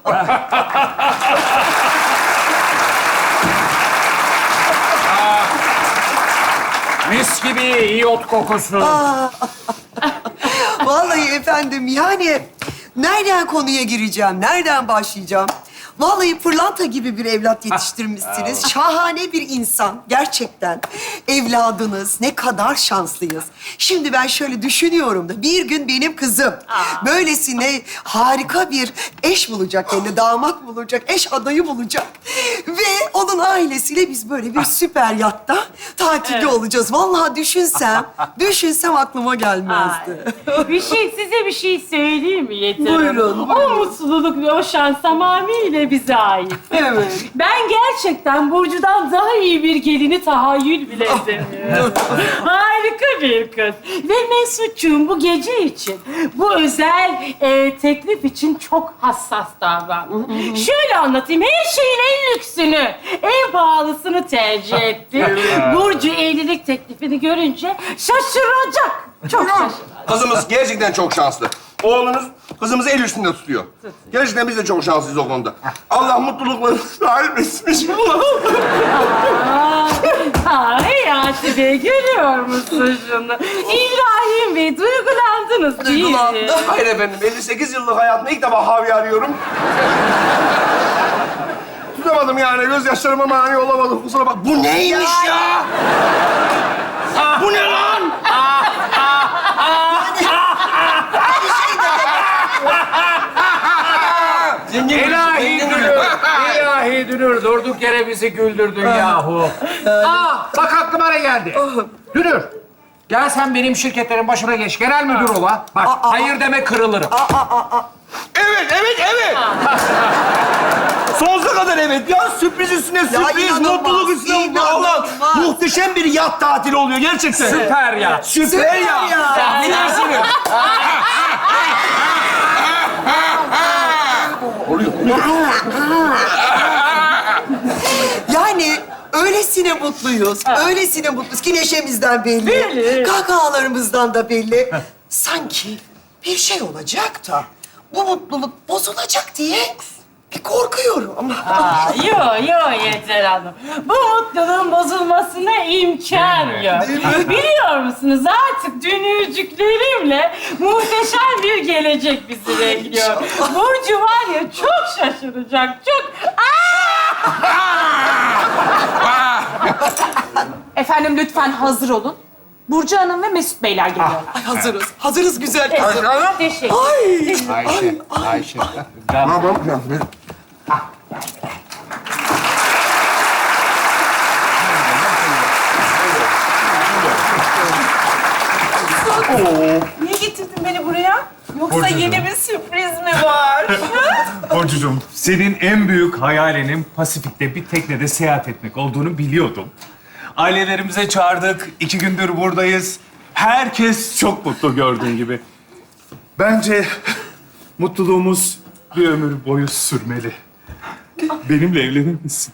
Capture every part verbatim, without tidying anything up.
Mis gibi iyot kokusu. Vallahi efendim yani nereden konuya gireceğim, nereden başlayacağım? Vallahi pırlanta gibi bir evlat yetiştirmişsiniz. Şahane bir insan gerçekten. Evladınız ne kadar şanslıyız. Şimdi ben şöyle düşünüyorum da bir gün benim kızım böylesine harika bir eş bulacak, yani damat bulacak, eş adayı bulacak. Ve onun ailesiyle biz böyle bir süper yatta tatilde Evet. olacağız. Vallahi düşünsem, düşünsem aklıma gelmezdi. Ay, bir şey, size bir şey söyleyeyim mi Yeter Hanım? Buyurun, O buyurun. mutluluk ve o şans tamamıyla bize ait. Evet. Ben gerçekten Burcu'dan daha iyi bir gelini tahayyül bile edemiyorum. Harika bir kız. Ve Mesut'cuğum bu gece için, bu özel e, teklif için çok hassas davrandı. Şöyle anlatayım, her şeyin en lüksünü, en pahalısını tercih etti. Burcu evlilik teklifini görünce şaşıracak. Çok şaşıracak. Kızımız gerçekten çok şanslı. Oğlunuz kızımızı el üstünde tutuyor. Gerçekten biz de çok şanslıyız o konuda. Allah mutluluklarını sahip etsin inşallah. Aa, Hayati Bey görüyor musun şunu? İbrahim Bey duygulandınız değil mi? Duygulandım. Hayır efendim, elli sekiz yıllık hayatımda ilk defa havi arıyorum. Tutamadım yani, gözyaşlarıma mani olamadım. Kusura bak. Bu neymiş ya? Bu ne lan? İlahi Dünür, ilahi Dünür. Durduk yere bizi güldürdün yahu. Aa, bak aklıma ne geldi. Dünür, gel sen benim şirketlerin başına geç. Genel müdür ol ha. Bak, hayır deme kırılırım. Evet, evet, evet. Sonsuza kadar evet. Ya sürpriz üstüne sürpriz, inanılmaz, mutluluk üstüne mutluluk. Allah, inanılmaz. muhteşem bir yat tatili oluyor gerçekten. Süper ya. Süper, Süper ya. ya. Ne dersiniz? Yani öylesine mutluyuz, öylesine mutluyuz ki neşemizden belli. Belli. Kahkahalarımızdan da belli. Sanki bir şey olacak da bu mutluluk bozulacak diye bir korkuyorum ama. Aa, yo yo Yeter Hanım. Bu mutluluğun bozulmasına imkan yok. Biliyor musunuz artık dünürcüklerimle muhteşem bir gelecek bizi bekliyor. Burcu var ya çok şaşıracak, çok... Efendim lütfen hazır olun. Burcu Hanım ve Mesut Beyler geliyorlar. Ay hazırız, hazırız güzel kızım. Teşekkür. Ay, Ayşe, Ayşe. Ne yapalım? Niye getirdin beni buraya? Yoksa yeni bir sürpriz mi var? Burcucuğum, senin en büyük hayalinin Pasifik'te bir teknede seyahat etmek olduğunu biliyordum. Ailelerimize çağırdık, iki gündür buradayız. Herkes çok mutlu gördüğün gibi. Bence mutluluğumuz bir ömür boyu sürmeli. Benimle evlenir misin?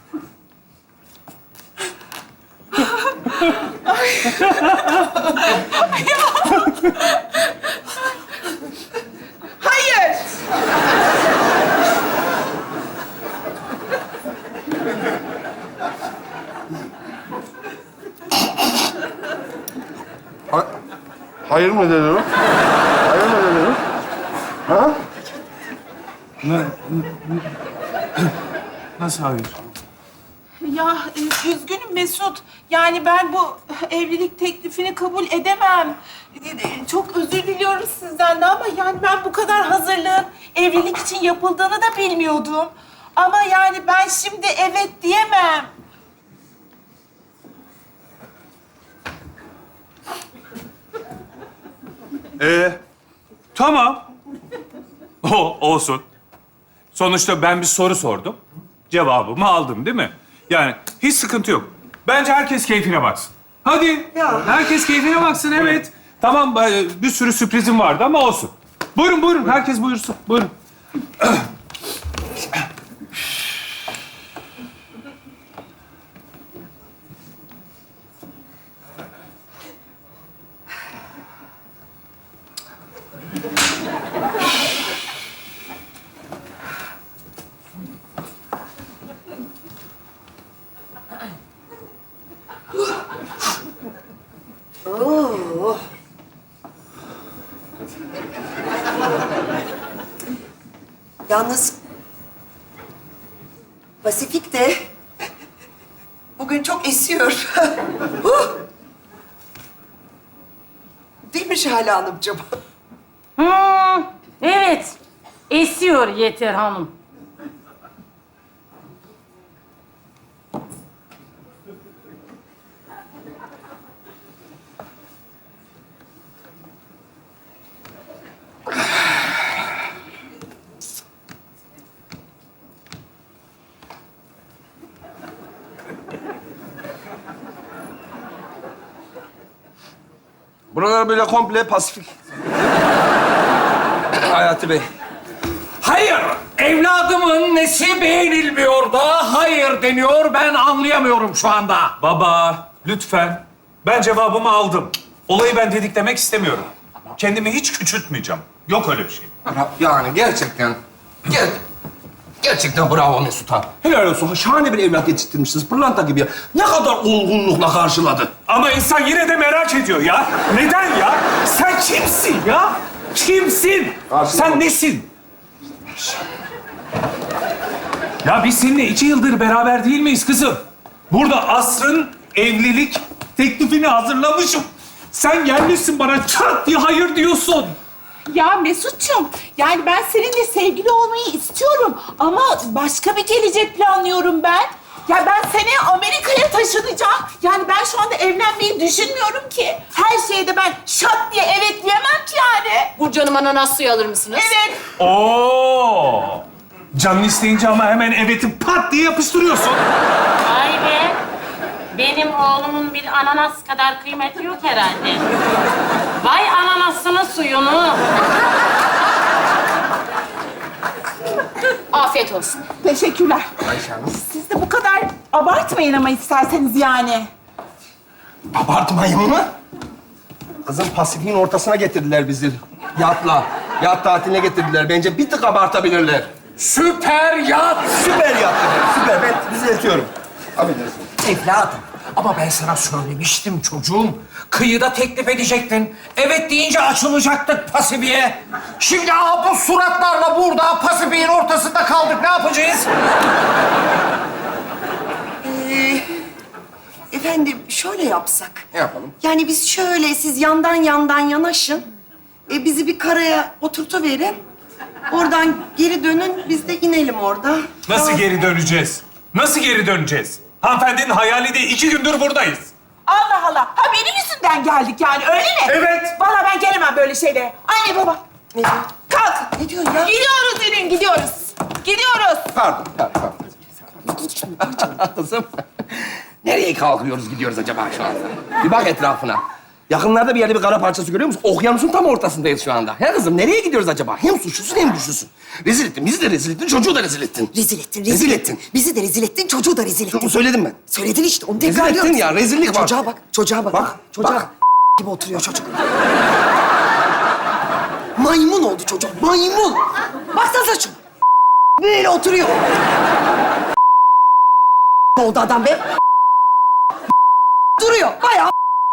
Hayır. Ha- Hayır mı dedi o? Hayır mı dedi o? Ha? Nasıl hayır? Ya e, üzgünüm Mesut. Yani ben bu evlilik teklifini kabul edemem. E, e, Çok özür diliyorum sizden de ama yani ben bu kadar hazırlığın evlilik için yapıldığını da bilmiyordum. Ama yani ben şimdi evet diyemem. Ee, tamam. O olsun. Sonuçta ben bir soru sordum. Cevabımı aldım değil mi? Yani hiç sıkıntı yok. Bence herkes keyfine baksın. Hadi. Ya. Herkes keyfine baksın, evet. Tamam, e, bir sürü sürprizim vardı ama olsun. Buyurun, buyurun. Herkes buyursun. Buyurun. Yalnız Pasifik de bugün çok esiyor. Huh! Değil mi Şahane Hanımcığım? Hmm, evet. Esiyor Yeter Hanım. Buralar böyle komple Pasifik. Hayati Bey. Hayır, evladımın nesi beğenilmiyor da hayır deniyor. Ben anlayamıyorum şu anda. Baba, lütfen. Ben cevabımı aldım. Olayı ben didiklemek istemiyorum. Kendimi hiç küçültmeyeceğim. Yok öyle bir şey. Yani gerçekten, ger gerçekten bravo Mesut ha. Helal olsun. Şahane bir evlat yetiştirmişsiniz. Pırlanta gibi ya. Ne kadar olgunlukla karşıladı. Ama insan yine de merak ediyor ya. Neden ya? Sen kimsin ya? Kimsin? Karşıma Sen bak. nesin? Ya biz seninle iki yıldır beraber değil miyiz kızım? Burada asrın evlilik teklifini hazırlamışım. Sen gelmişsin bana çat diye hayır diyorsun. Ya Mesut'cum, yani ben seninle sevgili olmayı istiyorum ama başka bir gelecek planlıyorum ben. Ya ben seneye Amerika'ya taşınacağım. Yani ben şu anda evlenmeyi düşünmüyorum ki. Her şeye de ben şat diye evet diyemem ki yani. Burcu Hanım ananas suyu alır mısınız? Evet. Oo! Canın isteyince ama hemen evet'i pat diye yapıştırıyorsun. Vay be. Benim oğlumun bir ananas kadar kıymeti yok herhalde. Vay ananasının suyunu. Afiyet olsun. Teşekkürler. Siz de bu kadar abartmayın ama isterseniz yani. Abartmayın mı? Kızım Pasifik'in ortasına getirdiler bizi. Yatla. Yat tatiline getirdiler. Bence bir tık abartabilirler. Süper yat. Süper yattı. Süper. Ben düzeltiyorum. Affedersin. Evladım, ama ben sana söylemiştim çocuğum. Kıyıda teklif edecektin. Evet deyince açılacaktık Pasifik'e. Şimdi aha bu suratlarla burada Pasifik'in ortasında kaldık. Ne yapacağız? Ee, efendim şöyle yapsak. Ne yapalım? Yani biz şöyle, siz yandan yandan yanaşın. E, bizi bir karaya oturtuverin. Oradan geri dönün, biz de inelim orada. Nasıl Tamam. geri döneceğiz? Nasıl geri döneceğiz? Hanımefendinin hayali değil, iki gündür buradayız. Allah Allah. Ha benim yüzümden geldik yani öyle mi? Evet. Vallahi ben gelemem böyle şeylere. Anne baba. Ne diyor? Kalk. Ne diyorsun ya? Gidiyoruz Ürün, gidiyoruz. Gidiyoruz. Pardon. Pardon. pardon. Kızım. Nereye kalkıyoruz, gidiyoruz acaba şu anda? Bir bak etrafına. Yakınlarda bir yerde bir kara parçası görüyor musun? Okyanusun tam ortasındayız şu anda. He kızım, nereye gidiyoruz acaba? Hem suçlusun hem güçlüsün. Rezil ettin, bizi de rezil ettin, çocuğu da rezil ettin. Rezil ettin, rezil, Rezil ettin. ettin. Bizi de rezil ettin, çocuğu da rezil ettin. Bunu söyledim ben. Söyledin işte, onu Rezil tekrarlıyor ettin musun? ya, rezillik var. Çocuğa bak, çocuğa bak. Bak, çocuğa bak. gibi oturuyor çocuk. Maymun oldu çocuk, maymun. Baksanıza şu. Böyle oturuyor. oldu adam be. Duruyor, bayağı.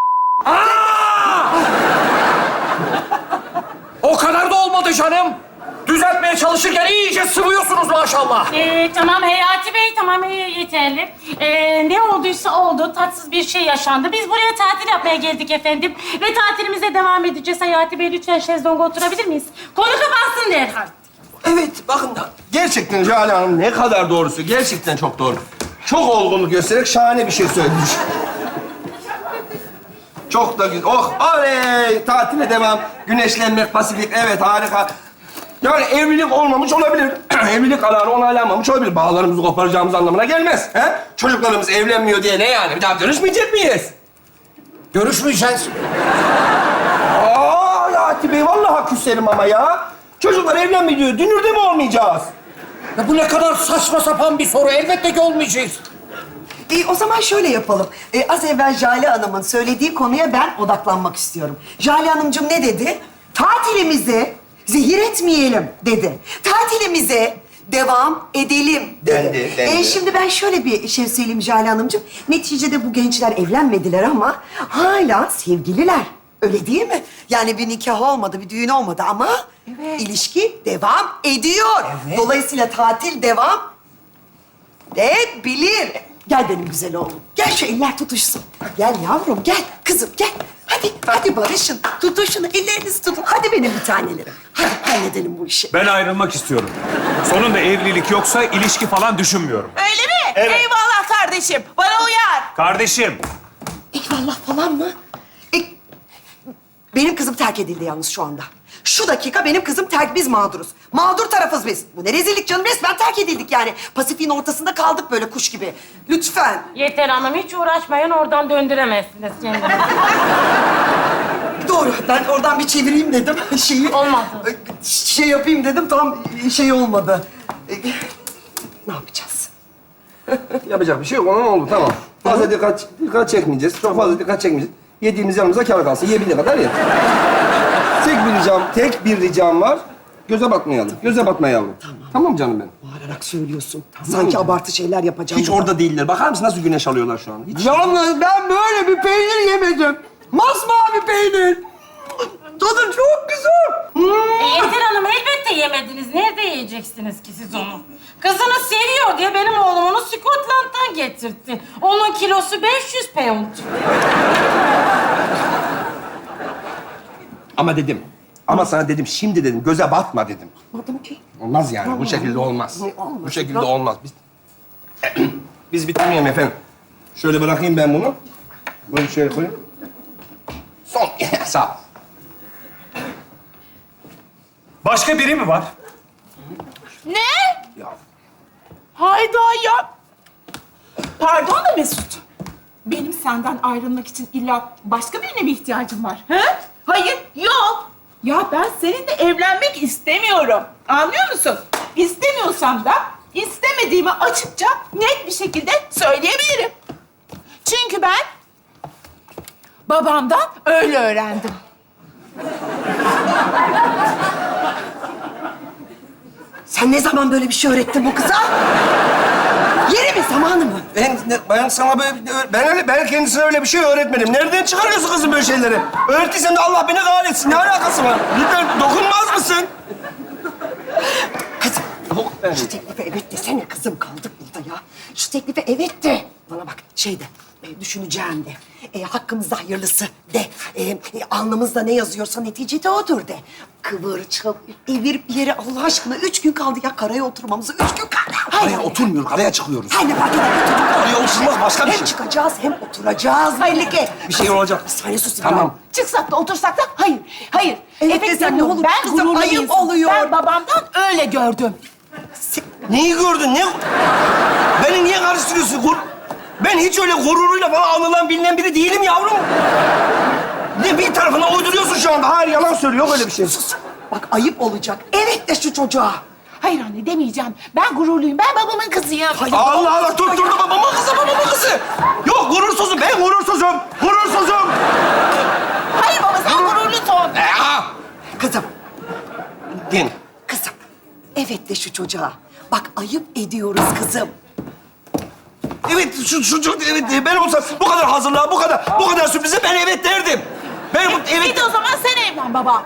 O kadar da olmadı canım. Düzeltmeye çalışırken iyice sıvıyorsunuz maşallah. Ee, tamam Hayati Bey, tamam ee, yeterli. Ee, ne olduysa oldu, tatsız bir şey yaşandı. Biz buraya tatil yapmaya geldik efendim. Ve tatilimize devam edeceğiz. Hayati Bey lütfen şezlonga oturabilir miyiz? Konu kapansın derhal. Evet, bakın da gerçekten Jale Hanım ne kadar doğrusu. Gerçekten çok doğru. Çok olgunluk göstererek şahane bir şey söylemiş. Çok da güzel. Oh, oley! Tatile devam. Güneşlenmek, Pasifik. Evet, harika. Yani evlilik olmamış olabilir. Evlilik kararı onaylanmamış olabilir. Bağlarımızı koparacağımız anlamına gelmez. He? Çocuklarımız evlenmiyor diye ne yani? Bir daha görüşmeyecek miyiz? Görüşmeyeceğiz. Aa, Hayati Bey, vallahi küserim ama ya. Çocuklar evlenmiyor diyor. Dünürde mi olmayacağız? Ya bu ne kadar saçma sapan bir soru. Elbette ki olmayacağız. E, o zaman şöyle yapalım. E, az evvel Jale Hanım'ın söylediği konuya ben odaklanmak istiyorum. Jale Hanımcığım ne dedi? Tatilimizi zehir etmeyelim dedi. Tatilimize devam edelim dedi. Dendi, dendi. E, şimdi ben şöyle bir şey söyleyeyim Jale Hanımcığım. Neticede bu gençler evlenmediler ama hala sevgililer. Öyle değil mi? Yani bir nikah olmadı, bir düğün olmadı ama Evet. İlişki devam ediyor. Dolayısıyla tatil devam edebilir. Gel benim güzel oğlum. Gel şu eller tutuşsun. Gel yavrum, gel. Kızım gel. Hadi, hadi barışın. Tutuşun, ellerinizi tutun. Hadi benim bir tanelerim. Hadi halledelim bu işi. Ben ayrılmak istiyorum. Sonunda evlilik yoksa ilişki falan düşünmüyorum. Öyle mi? Evet. Eyvallah kardeşim. Bana uyar. Kardeşim, Eyvallah falan mı? E, benim kızım terk edildi yalnız şu anda. Şu dakika benim kızım terk, biz mağduruz. Mağdur tarafız biz. Bu ne rezillik canım, resmen terk edildik yani. Pasifik'in ortasında kaldık böyle kuş gibi. Lütfen. Yeter hanım, hiç uğraşmayın. Oradan döndüremezsiniz kendinizi. Doğru, ben oradan bir çevireyim dedim şeyi. Olmadı. Şey yapayım dedim, tam şey olmadı. E, ne yapacağız? Yapacak bir şey yok. Ona ne oldu? Tamam. Fazla dikkat, dikkat çekmeyeceğiz. Çok fazla dikkat çekmeyeceğiz. Yediğimiz yanımıza kâr kalsın. Yiyebildiği kadar ye. Tek bir ricam, tek bir ricam var. Göze batmayalım. Göze batma yavrum. Tamam. Tamam canım benim. Bağırarak söylüyorsun. Sanki abartı şeyler yapacağım. Hiç burada. orada değiller. Bakar mısın nasıl güneş alıyorlar şu an? Hiç. Yalnız ben böyle bir peynir yemedim. Masmavi peynir. Tadı çok güzel. E, Yeter hanım, elbette yemediniz. Nerede yiyeceksiniz ki siz onu? Kızını seviyor diye benim oğlum onu Scotland'dan getirtti. Onun kilosu beş yüz pound. Ama dedim. Ama sana dedim, şimdi dedim. Göze batma dedim. Anladım ki. Olmaz yani. Bu şekilde olmaz. Ne olmaz? Bu şekilde olmaz. Biz, biz bitirmeyelim efendim. Şöyle bırakayım ben bunu. Böyle şöyle koyayım. Son. Sağ ol. başka biri mi var? Ne? Ya. Hayda ya. Pardon da Mesut. Benim senden ayrılmak için illa başka birine mi ihtiyacım var? He? Hayır, yok. Ya ben seninle evlenmek istemiyorum. Anlıyor musun? İstemiyorsam da istemediğimi açıkça net bir şekilde söyleyebilirim. Çünkü ben babamdan öyle öğrendim. Sen ne zaman böyle bir şey öğrettin bu kıza? Yeri mi, zamanı mı? Ben, ben sana böyle, ben öyle, ben kendisine öyle bir şey öğretmedim. Nereden çıkarıyorsun kızım böyle şeyleri? Öğrettiysem de Allah beni kahretsin. Ne alakası var? Lütfen dokunmaz mısın? Kızım, Yok ben. şu teklife evet desene kızım. Kaldık burada ya. Şu teklife evet de. Bana bak, şey de, e, düşüneceğim de. E, hakkımızda hayırlısı de. E, e, alnımızda ne yazıyorsa neticede odur de. Kıvır, çıl, evir bir yere Allah aşkına. Üç gün kaldı ya karaya oturmamıza. Üç gün kaldı. Hayır. Karaya oturmuyoruz, karaya çıkıyoruz. Hayır, ne fark eder? Karaya oturmak başka bir Hem şey. çıkacağız hem oturacağız. Melike. Bir şey olacak. Bir saniye sus İbrahim. Tamam. Çıksak da otursak da hayır. Hayır. Evet desen ne demiyorum. olur? Ben Kızım, gururlu ayıp insanım. oluyor. Ben babamdan öyle gördüm. Neyi gördün? Ne? Beni niye karıştırıyorsun? Gur... Ben hiç öyle gururuyla falan anılan bilinen biri değilim yavrum. Ne bir tarafına uyduruyorsun şu anda. Hayır, yalan söylüyor. Yok öyle bir şey. Sus. Bak ayıp olacak. Evet de şu çocuğa. Hayır anne demeyeceğim. Ben gururluyum. Ben babamın kızıyım. Allah Allah, dur dur dur. Babamın kızı, babamın kızı. Yok, gurursuzum. Ben gurursuzum. Gurursuzum. Hayır baba sen gururlusun. Ee, Kızım, Din. kızım. Evet de şu çocuğa. Bak ayıp ediyoruz kızım. Evet, şu, şu, şu evet, ben olsam bu kadar hazırlığa, bu kadar, bu kadar sürprize ben evet derdim. Ben bu, Bir evet... de o zaman sen evlen baba.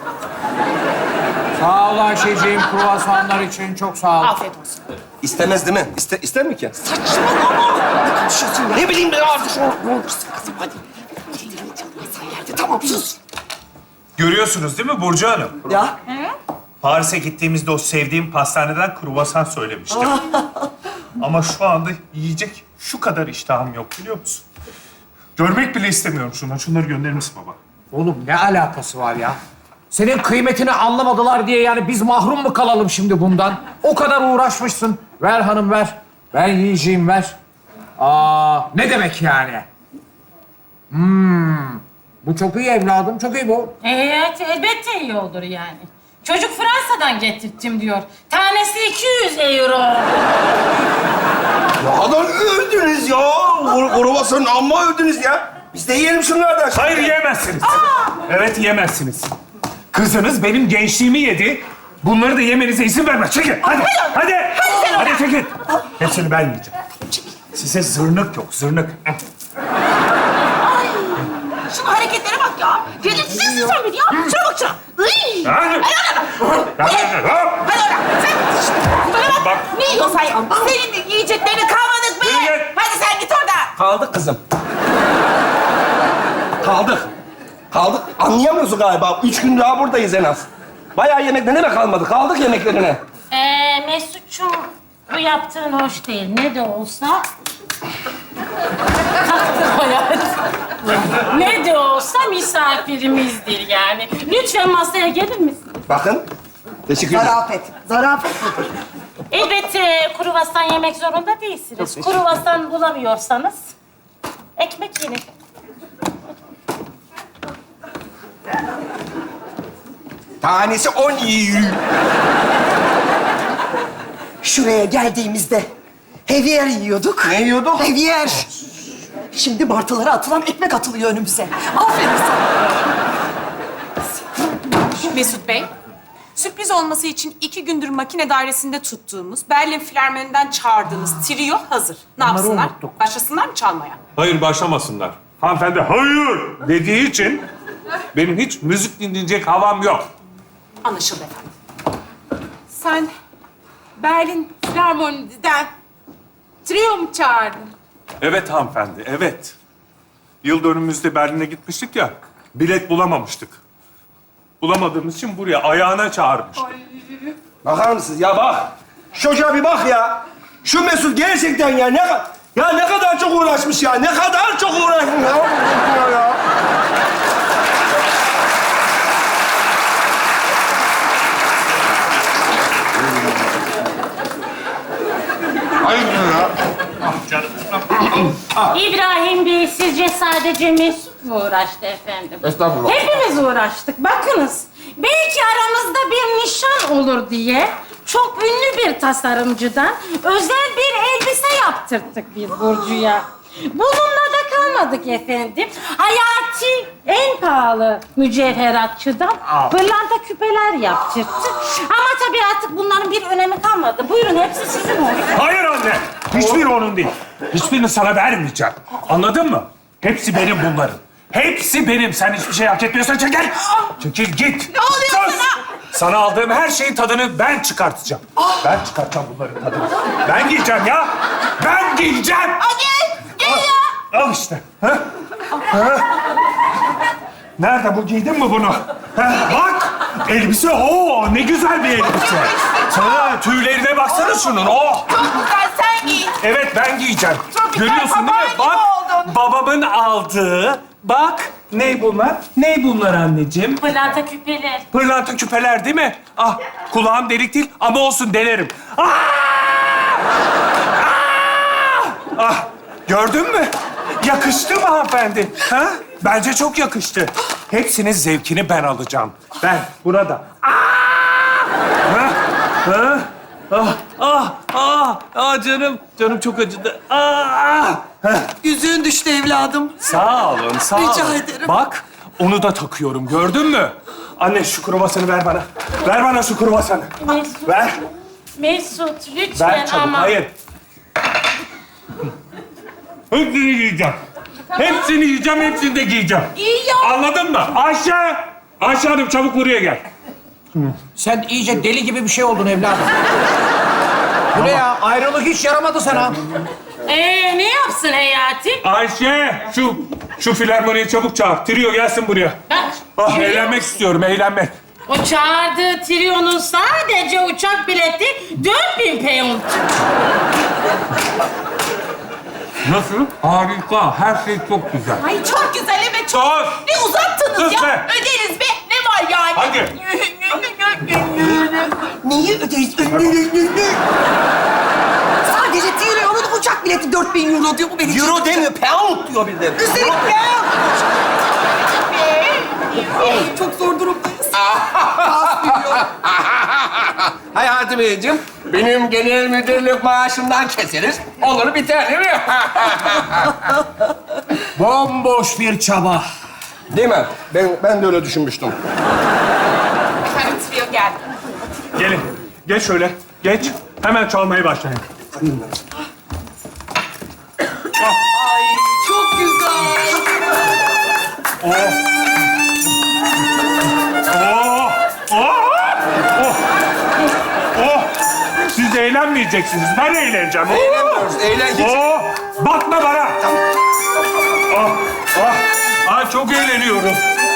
Sağ ol Ayşeciğim, kruvasanlar için çok sağ ol. Afiyet olsun. İstemez değil mi? İste, ister mi ki? Saçmalama. Ne konuşuyorsun ya? Ne bileyim ben artık. Ne olursun kızım hadi. Ellerini çalmazsan yerde. Tamam sus. Görüyorsunuz değil mi Burcu Hanım? Ya. Paris'e gittiğimizde o sevdiğim pastaneden kruvasan söylemiştim. Ama şu anda yiyecek şu kadar iştahım yok biliyor musun? Görmek bile istemiyorum şunları. Şunları gönderir misin baba? Oğlum ne alakası var ya? Senin kıymetini anlamadılar diye yani biz mahrum mu kalalım şimdi bundan? O kadar uğraşmışsın. Ver hanım ver. Ben yiyeceğim ver. Aa, ne demek yani? Hmm. Bu çok iyi evladım, çok iyi bu. Evet, elbette iyi olur yani. Çocuk Fransa'dan getirttim diyor. Tanesi iki yüz euro. Ne kadar övdünüz ya. Kruvasanın amma övdünüz ya. Biz de yiyelim şunlardan. Hayır yiyemezsiniz. Evet yiyemezsiniz. Kızınız benim gençliğimi yedi. Bunları da yemenize izin vermez. Çekin hadi. Hadi. Hadi çekin. Hepsini ben yiyeceğim. Size zırnık yok, zırnık. Şunun hareketlere bak ya. Deli yetiştirsin sen beni ya. Şuna bak şuna. Iy! Hadi. Hadi. Hadi oradan. Sen şşt, bana bak. Bak. Ne yiyorsan ya. Senin de yiyeceklerini kalmadık mı? Yürü git. Hadi sen git oradan. Kaldık kızım. Kaldık. Kaldık. Anlayamıyorsun galiba. Üç gün daha buradayız en az. Bayağı yemek ne demek kalmadı? Kaldık yemeklerine. Ee, Mesut'cum bu yaptığın hoş değil. Ne de olsa... Taktın hayat. Ne de olsa misafirimizdir yani. Lütfen masaya gelir misin? Bakın. Teşekkür ederim. Zarafet. Zarafet nedir? Elbette kruvasan yemek zorunda değilsiniz. Kruvasan bulamıyorsanız ekmek yiyin. Tanesi on iyi. Şuraya geldiğimizde heviyer yiyorduk. Ne yiyorduk? Heviyer. Şimdi martılara atılan ekmek atılıyor önümüze. Aferin sana. Mesut Bey, sürpriz olması için iki gündür makine dairesinde tuttuğumuz, Berlin Filarmoni'den çağırdığımız trio hazır. Ne yapsınlar? Başlasınlar mı çalmaya? Hayır başlamasınlar. Hanımefendi hayır dediği için benim hiç müzik dinleyecek havam yok. Anlaşıldı efendim. Sen Berlin Filarmoni'den trio mu çağırdın? Evet hanımefendi, evet. Yıl dönümümüzde Berlin'e gitmiştik ya, bilet bulamamıştık. Bulamadığımız için buraya ayağına çağırmıştık. Bakar mısınız? Ya bak. Şu çocuğa bir bak ya. Şu Mesut gerçekten ya ne kadar... Ya ne kadar çok uğraşmış ya. Ne kadar çok uğraşmış ya. ya. İbrahim Bey, sizce sadece Mesut mu uğraştı efendim? Estağfurullah. Hepimiz uğraştık. Bakınız, belki aramızda bir nişan olur diye çok ünlü bir tasarımcıdan özel bir elbise yaptırttık biz Burcu'ya. Bununla da kalmadık efendim. Hayati en pahalı mücevheratçıdan pırlanta küpeler yaptırttık. Ama tabii artık bunların bir önemi kalmadı. Buyurun, hepsi sizin olsun. Hayır anne, hiçbiri onun değil. Hiçbirini sana vermeyeceğim. Anladın mı? Hepsi benim bunların. Hepsi benim. Sen hiçbir şey hak etmiyorsan çekil. Çekil git. Ne oluyor Sus! sana? Sana aldığım her şeyin tadını ben çıkartacağım. Ben çıkartacağım bunların tadını. Ben giyeceğim ya. Ben giyeceğim. Aa, gel, gel ya. Al işte. Ha? Ha? Nerede bu? Giydin mi bunu? Ha? Bak! Elbise, oo ne güzel bir elbise. Ha, tüylerine baksana şunun, oh! Çok güzel, sen giy. Evet, ben giyeceğim. Çok güzel, Görüyorsun değil papağan mi? gibi Bak, oldun. babamın aldığı, bak. Ne bunlar? Ne bunlar anneciğim? Pırlanta küpeler. Pırlanta küpeler değil mi? Ah, kulağım delik değil ama olsun denerim. Ah! Ah! Ah, gördün mü? Yakıştı mı hanımefendi? Ha? Bence çok yakıştı. Hepsinin zevkini ben alacağım. Ben, burada. Ah! Ha? Ha? Ah, ah, ah, ah canım. Canım çok acıdı. Ah, ah. Heh. Yüzüğün düştü evladım. Sağ olun, sağ Rica olun. ederim. Bak, onu da takıyorum. Gördün mü? Anne şu kruvasanı ver bana. Ver bana şu kruvasanı. Mesut, Ver. Mesut lütfen Ver çabuk. ama... Hayır. Hepsini yiyeceğim. Hepsini yiyeceğim, hepsini de giyeceğim. İyi ya. Anladın mı? Ayşe! Ayşe Hanım çabuk buraya gel. Sen iyice deli gibi bir şey oldun evladım. Bu ne ya? Ayrılık hiç yaramadı sana. Ee, ne yapsın Hayati? Ayşe! Şu, şu filarmoniyi çabuk çağır. Trio gelsin buraya. Bak, Ah, görüyor eğlenmek musun? istiyorum, eğlenmek. O çağırdığı triyonun sadece uçak bileti dört bin pound. Nasıl? Harika. Her şey çok güzel. Ay çok güzel, evet çok. Sus! Ne uzattınız Sus ya? be! Öderiz be. Ne var yani? Hadi. Neyi ödeyiz? Sadece trilyonun uçak bileti dört bin euro diyor. Bu beni Euro demiyor, pound diyor bir de. Üstelik ya. Ay, çok zor durumdayız. Az milyon. Hayati Beyciğim, benim genel müdürlük maaşımdan keseriz. Olur biter değil mi? Bomboş bir çaba. Değil mi? Ben, ben de öyle düşünmüştüm. Efendim trio geldi. Gelin. Geç şöyle. Geç. Hemen çalmaya başlayın. Çok güzel. Oh. Oh! Oh! Oh! Oh! Siz eğlenmeyeceksiniz. Ben eğleneceğim. Eğlenmiyoruz. Eğlen hiç. Oh! Bakma bana. Ah! Ah! Ah, çok eğleniyorum.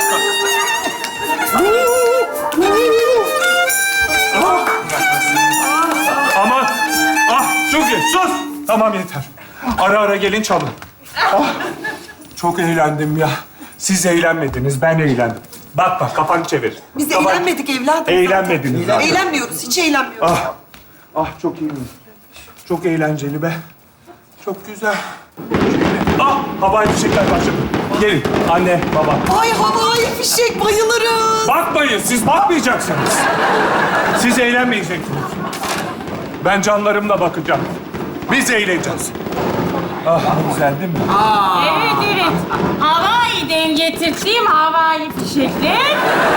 Ah! Aman! Ah! Çok iyi. Sus! Tamam yeter. Ara ara gelin çalın. Ah! Çok eğlendim ya. Siz eğlenmediniz, ben eğlendim. Bak bak, kafanı çevir. Biz Kafanı- eğlenmedik evladım. Eğlenmediniz. zaten. Eğlenmiyoruz, hiç eğlenmiyoruz. Ah, ah çok iyi. Çok eğlenceli be. Çok güzel. Ah, havai fişekler başladı. Gelin, anne, baba. Ay havai fişek, bayılırız. Bakmayın, siz bakmayacaksınız. Siz eğlenmeyeceksiniz. Ben canlarımla bakacağım. Biz eğleneceğiz. Ah, ne güzel değil mi? Evet, evet. Hawaii'den getirdiğim havai fişekler.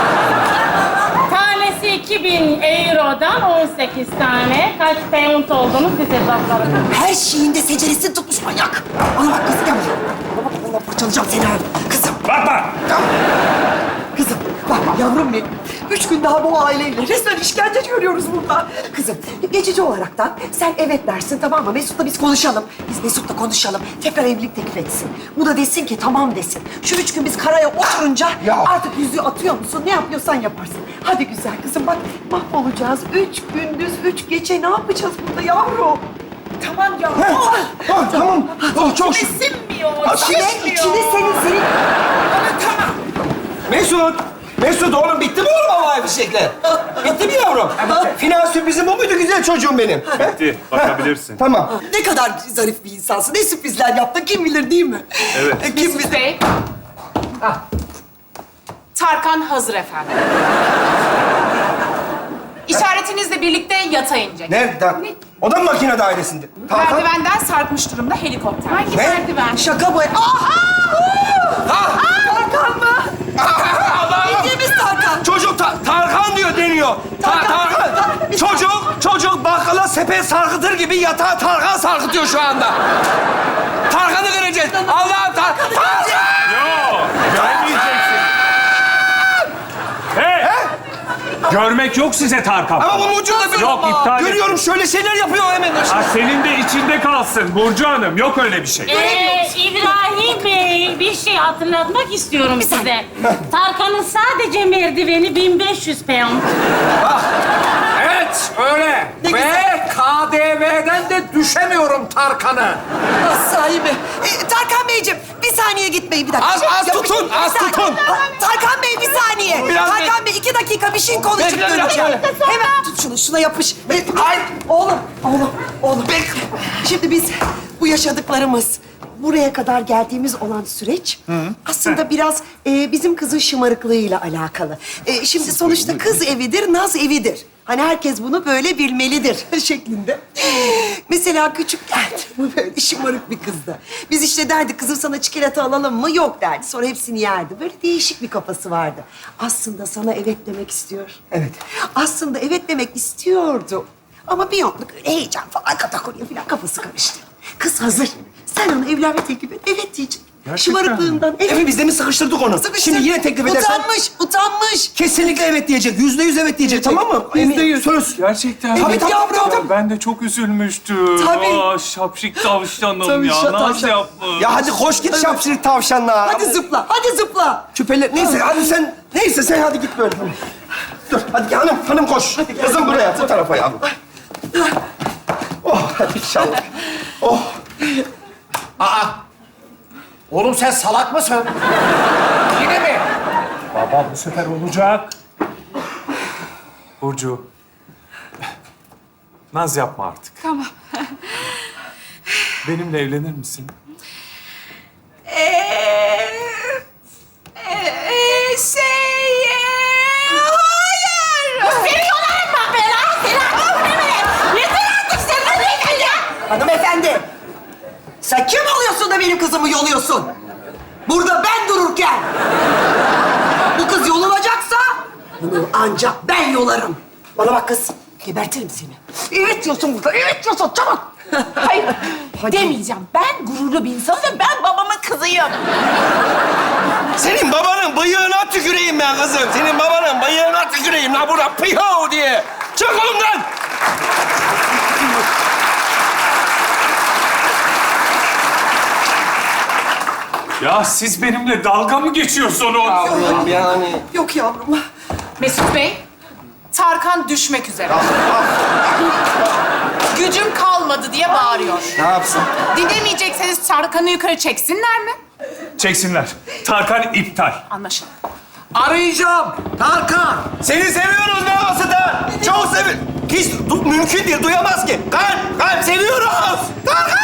Tanesi iki bin eurodan on sekiz tane. Kaç pound olduğunu siz hesaplayın. Her şeyinde seceresini tutmuş manyak. Bana bak kızım, gel buraya. Bana bak, vallahi parçalayacağım seni ha. Kızım, Bakma! kızım. Bak yavrum benim. Üç gün daha bu aileyle resmen işkence görüyoruz burada. Kızım, geçici olaraktan sen evet dersin, tamam mı? Mesut'la biz konuşalım. Biz Mesut'la konuşalım. Tekrar evlilik teklif etsin. Bu da desin ki tamam desin. Şu üç gün biz karaya oturunca artık yüzüğü atıyor musun? Ne yapıyorsan yaparsın. Hadi güzel kızım bak, mahvolacağız. Üç gündüz, üç gece ne yapacağız burada yavrum? Tamam ya. Ah, tamam. Oh, çok şükür. Sinmiyor. İçine, içine senin, senin... Mesut! Mesut oğlum bitti mi oğlum havai fişekler? Bitti mi yavrum? Final sürprizim bu muydu güzel çocuğum benim? Bitti, bakabilirsin. Tamam. Ne kadar zarif bir insansın. Ne sürprizler yaptın kim bilir değil mi? Evet. E, Kim Mesut bilir? Bey. Tarkan hazır efendim. İşaretinizle birlikte yata inecek. Nerede? O da mı makine dairesinde? Tarkan. Merdivenden sarkmış durumda helikopter. Hangi Ne? merdiven? Şaka bu. Aha! Ah! Tarkan mı? Allah'ım! Bildiğimiz Tarkan. Çocuk ta- Tarkan diyor deniyor. Ta- Tarkan. Tarkan. Çocuk, çocuk bakkala sepet sarkıtır gibi yatağa Tarkan sarkıtıyor şu anda. Tarkan'ı göreceğiz. Allah'ım Tar- Tarkan! Yok, görmeyeceksin. Hey! Görmek yok size Tarkan. Ama bunun ucunda bir... Yok, iptal et. Görüyorum şöyle şeyler yapıyor hemen. Ha, senin de içinde kalsın Burcu Hanım. Yok öyle bir şey. Ee, İbrahim Bey, bir şey hatırlatmak istiyorum size. Tarkan'ın sadece merdiveni bin beş yüz pound. Evet, öyle. Ve K D V'den de düşemiyorum Tarkan'ı. Sahibi. E, Tarkan Beyciğim bir saniye gitmeyin bir dakika. Az- az Ya, tutun, bir az saniye. tutun. Ha, Tarkan Bey bir saniye. Biraz Tarkan Bey iki dakika bir şey konuşup Bekle, döneceğim. bekle. Hemen tut şunu, şuna yapış. E, Ay, oğlum, oğlum, oğlum. Şimdi biz bu yaşadıklarımız, buraya kadar geldiğimiz olan süreç aslında biraz e, bizim kızın şımarıklığıyla alakalı. E, şimdi sonuçta kız evidir, naz evidir. Hani herkes bunu böyle bilmelidir şeklinde. Mesela küçükken bu böyle şımarık bir kızdı. Biz işte derdik kızım sana çikolata alalım mı? Yok derdi. Sonra hepsini yerdi. Böyle değişik bir kafası vardı. Aslında sana evet demek istiyor. Evet. Aslında evet demek istiyordu. Ama bir yokluk öyle heyecan falan katakulya falan kafası karıştı. Kız hazır. Sen ona evlenme teklif et. Evet diyecek. Şımarıklığından evet. Evet biz de mi sıkıştırdık onu? Sıkıştı. Şimdi yine teklif edersen... Utanmış, utanmış. Kesinlikle evet diyecek. Yüzde yüz evet diyecek. Tamam mı? Yüzde yüz. Söz. Gerçekten. Evet tabii, yavrum. tabii, Ya ben de çok üzülmüştüm. Tabii. Aa, şapşik tavşanım Tabii, ya. şa- Nasıl tavşan. yapmış? Ya hadi koş git şapşırık tavşanla. Hadi zıpla, hadi zıpla. Küpeler... Neyse hadi sen... Neyse sen hadi git böyle. Dur hadi hanım, hanım koş. Kızım buraya, bu tarafa yavrum. Oh hadi inşallah. Oh. Aa, oğlum sen salak mısın? Yine mi? Baba bu sefer olacak. Burcu. Naz yapma artık. Tamam. Benimle evlenir misin? Ee, ee, şey... ee, hayır. Seni yolarım bak ben ha! Seni artık ne Yeter artık sen ne beyefendi ya! Hanımefendi, sen kim oluyorsun da benim kızımı yoluyorsun? Burada ben dururken. Bu kız yolunacaksa bunu ancak ben yolarım. Bana bak kız, gebertirim seni. Evet diyorsun burada, evet diyorsun, çabuk. Hayır. Hadi. Demeyeceğim. Ben gururlu bir insanım ve ben babamın kızıyım. Senin babanın bıyığına tüküreyim ben kızım. Senin babanın bıyığına tüküreyim lan burada piyo diye. Çık oğlumdan. Ya siz benimle dalga mı geçiyorsunuz? Yavrum yani. Yok yavrum. Mesut Bey, Tarkan düşmek üzere. Gücüm kalmadı diye bağırıyor. Ne yapsın? Dinlemeyecekseniz Tarkan'ı yukarı çeksinler mi? Çeksinler. Tarkan iptal. Anlaşıldı. Arayacağım. Tarkan. Seni seviyoruz be Ası'da. Çok sevi... Hiç du- mümkün değil, duyamaz ki. Kalp, kalp seviyoruz. Tarkan!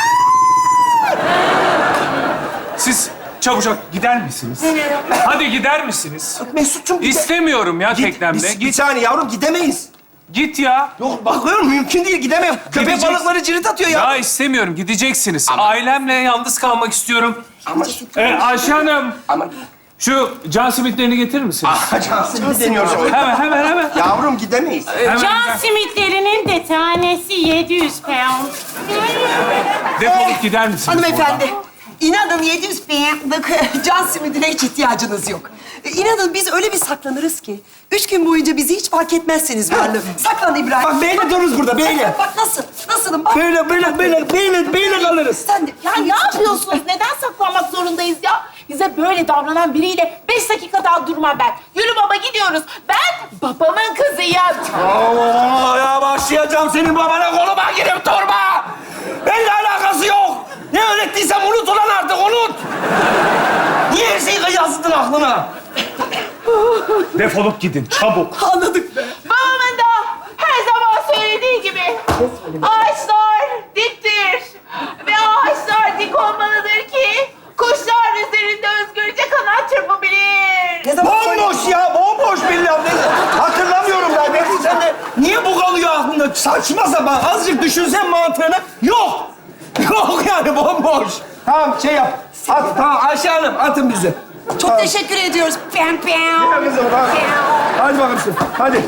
Siz çabucak gider misiniz? Hadi gider misiniz? Mesut'cum gide- İstemiyorum ya Git, teknemde. bir, bir Git, saniye yavrum gidemeyiz. git ya. Yok bakıyorum mümkün değil gidemem. Köpek Gideceksin. balıkları cirit atıyor ya. Ya istemiyorum. Gideceksiniz. Ailemle yalnız kalmak istiyorum. Ama, Ee, Ayşe Hanım, ama... şu can simitlerini getirir misiniz? Cansın bir deniyoruz. Hemen, hemen, hemen. Yavrum gidemeyiz. hemen. Can simitlerinin de tanesi yedi yüz pound. Defolup gider misiniz Hanımefendi, inanın yedi yüz binlik can simidine hiç ihtiyacınız yok. E, İnanın biz öyle bir saklanırız ki, üç gün boyunca bizi hiç fark etmezsiniz varlığı. Saklan İbrahim. Bak beyle dururuz burada beyle. Bak nasıl, nasılım bak. Böyle böyle böyle beyle beyle kalırız. Sen de. Ya ne yapıyorsunuz? Neden saklanmak zorundayız ya? Bize böyle davranan biriyle beş dakika daha durmam ben. Yürü baba gidiyoruz. Ben babamın kızıyım. Allah ya başlayacağım senin babana koluma girip durma. Benimle alakası yok. Ne öğrettiysem unut ulan artık unut. Niye her şeyi yazdın aklına? Defolup gidin, çabuk. Anladık be. Babamın da her zaman söylediği gibi ağaçlar diktir ve ağaçlar dik olmalıdır ki kuşlar üzerinde özgürce kanat çırpabilir. Ne zaman Bomboş ya, bomboş billahi. Ne- Hatırlamıyorum ben. Ne sen de niye bu kalıyor aklında? Saçma sapan. Azıcık düşünsen mantığını. Yok. Yok yani bomboş. Tamam şey yap. At, tamam Ayşe Hanım atın bizi. Çok teşekkür ediyoruz. Pem pem. Hadi kızım tamam. Hadi bakalım şimdi. Hadi.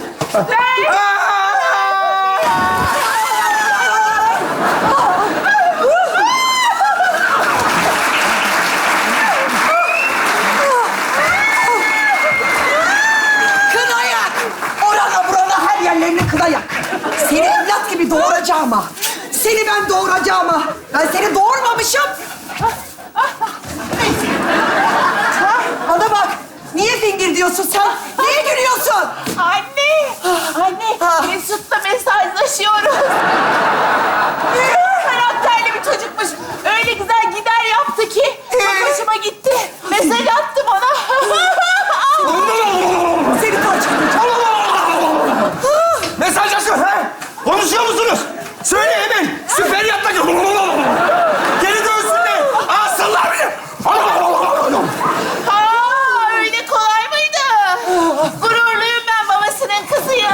Kına yak. Orana burana her yerlerini kına yak. Seni evlat gibi doğuracağım ha. Seni ben doğuracağım ha. Ben seni doğurmamışım. Bana bak. Niye fingir diyorsun sen? Niye gülüyorsun? Anne, anne Mesut'la mesajlaşıyoruz. Karakterli bir çocukmuş. Öyle güzel gider yaptı ki çok hoşuma gitti. Mesaj attı bana. Seni parçalayacağım. Mesajlaşıyor ha? Konuşuyor musunuz? Söyle hemen. Süper yatta geri dönsünler. Alsınlar beni. Aa, öyle kolay mıydı? Gururluyum ben babasının kızıyım.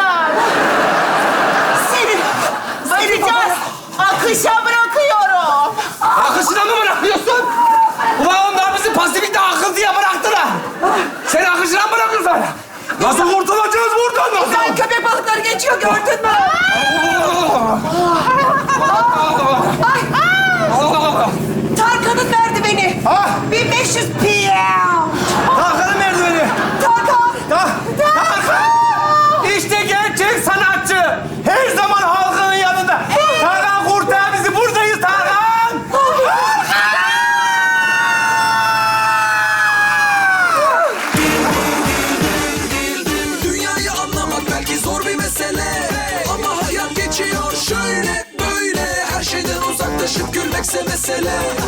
Seni. Seni Bakacağız. Akışa bırakıyorum. Akışına mı bırakıyorsun? Ulan onlar bizi pasifikte akıntıya bıraktılar. Sen akışına mı bırakıyorsun? Nasıl kurtulacağız buradan? Nasıl? Ben köpek balıkları geçiyor gördün mü? Tarkan'ın merdiveni. Ha? bin beş yüz pound. Tarkan'ın merdiveni. Tarkan. Ta Tarkan! İşte gerçek sanatçı. Her zaman halkının yanında. Tarkan kurtar bizi. Buradayız Tarkan. Dünyayı anlamak belki zor bir mesele, ama hayat geçiyor şöyle böyle. Her şeyden uzaklaşıp gülmekse mesele.